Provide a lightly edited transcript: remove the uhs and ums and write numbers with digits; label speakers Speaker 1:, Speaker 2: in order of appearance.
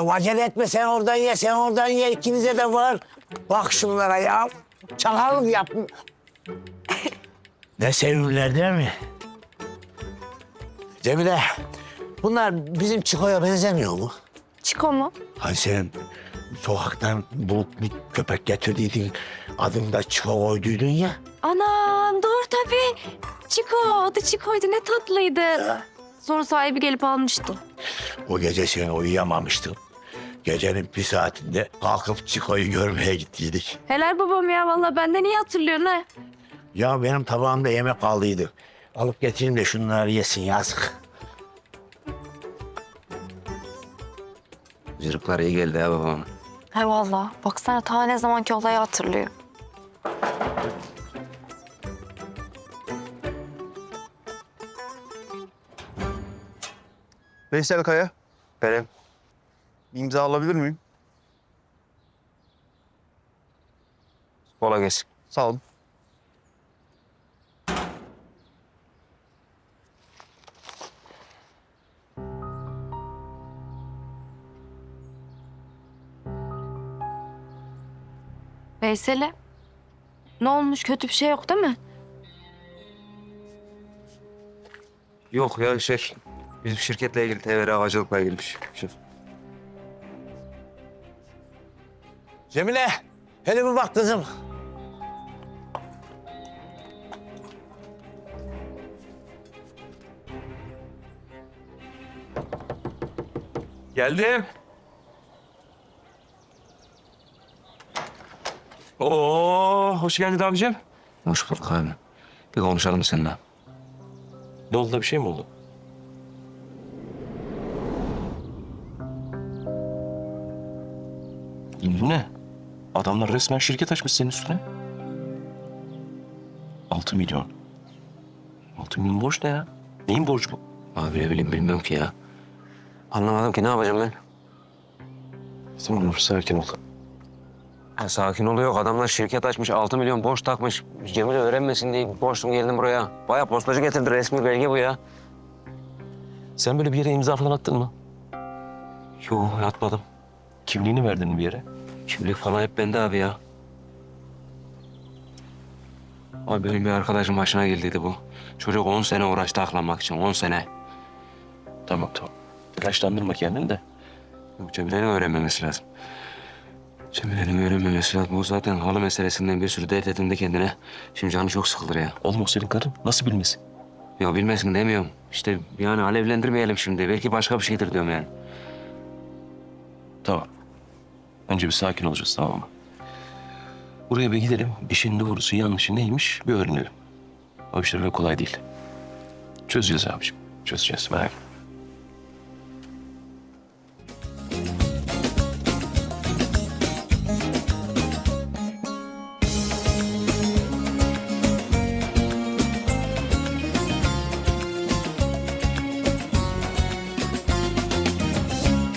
Speaker 1: oğlum acele etme, sen oradan ye, sen oradan ye. İkinize de var. Bak şunlara ya. Çakallık yap. Ne sevimliler değil mi? Cemile, bunlar bizim Çiko'ya benzemiyor mu?
Speaker 2: Çiko mu?
Speaker 1: Hani sen sokaktan bulup bir köpek getirdiydin, adını da Çiko koyduydun ya.
Speaker 2: Anam doğru tabii. Çiko, adı Çiko'ydu, ne tatlıydı. Sonra sahibi gelip almıştı.
Speaker 1: O gece sen uyuyamamıştın. Gecenin bir saatinde kalkıp Çiko'yu görmeye gittiydik.
Speaker 2: Helal babam ya, vallahi benden iyi hatırlıyorsun ha.
Speaker 1: Ya benim tabağımda yemek kaldıydı. Alıp getireyim de şunları yesin, yazık.
Speaker 3: Cırıklar iyi geldi ya babama.
Speaker 2: He vallahi, baksana ta ne zamanki olayı hatırlıyor.
Speaker 4: Veysel Kaya,
Speaker 3: Benim.
Speaker 4: bir imza alabilir miyim?
Speaker 3: Kola gelsin.
Speaker 4: Sağ olun.
Speaker 2: Veysel'e ne olmuş, kötü bir şey yok değil mi?
Speaker 3: Yok ya bizim şirketle ilgili TVR havacılıkla ilgili bir şey.
Speaker 1: Cemile, hele bir bak kızım.
Speaker 5: Geldim. Oo, hoş geldin abicim.
Speaker 3: Hoş bulduk abi. Bir konuşalım seninle.
Speaker 5: Ne oldu da bir şey mi oldu? Bu ne? Adamlar resmen şirket açmış senin üstüne. 6 milyon. 6 milyon borç ne ya? Neyin borcu bu?
Speaker 3: Abi ne bileyim bilmiyorum ki ya. Anlamadım ki ne yapacağım ben?
Speaker 5: Tamam sakin ol.
Speaker 3: Ha, sakin oluyor. Adamlar şirket açmış, 6 milyon borç takmış. Cemile öğrenmesin diye borçtum geldim buraya. Bayağı postacı getirdi, resmi belge bu ya.
Speaker 5: Sen böyle bir yere imza falan attın mı?
Speaker 3: Yok atmadım.
Speaker 5: Kimliğini verdin mi bir yere?
Speaker 3: Kimlik falan hep bende abi ya. Abi benim bir arkadaşım başına geldiydi bu. Çocuk 10 sene uğraştı aklanmak için, 10 sene.
Speaker 5: Tamam. Telaşlandırma kendini de.
Speaker 3: Yok, Cemile'nin öğrenmemesi lazım. Cemile'nin öğrenmemesi lazım. O zaten halı meselesinden bir sürü dert edindi kendine. Şimdi canı çok sıkılır ya.
Speaker 5: Oğlum o senin karın. Nasıl bilmesin?
Speaker 3: Ya bilmesin demiyorum. İşte yani alevlendirmeyelim şimdi. Belki başka bir şeydir diyorum yani.
Speaker 5: Tamam. Önce bir sakin olacağız, tamam mı? Buraya bir gidelim. İşin doğrusu yanlışı neymiş bir öğrenelim. O işler öyle kolay değil. Çözeceğiz abiciğim. Çözeceğiz, merak etme.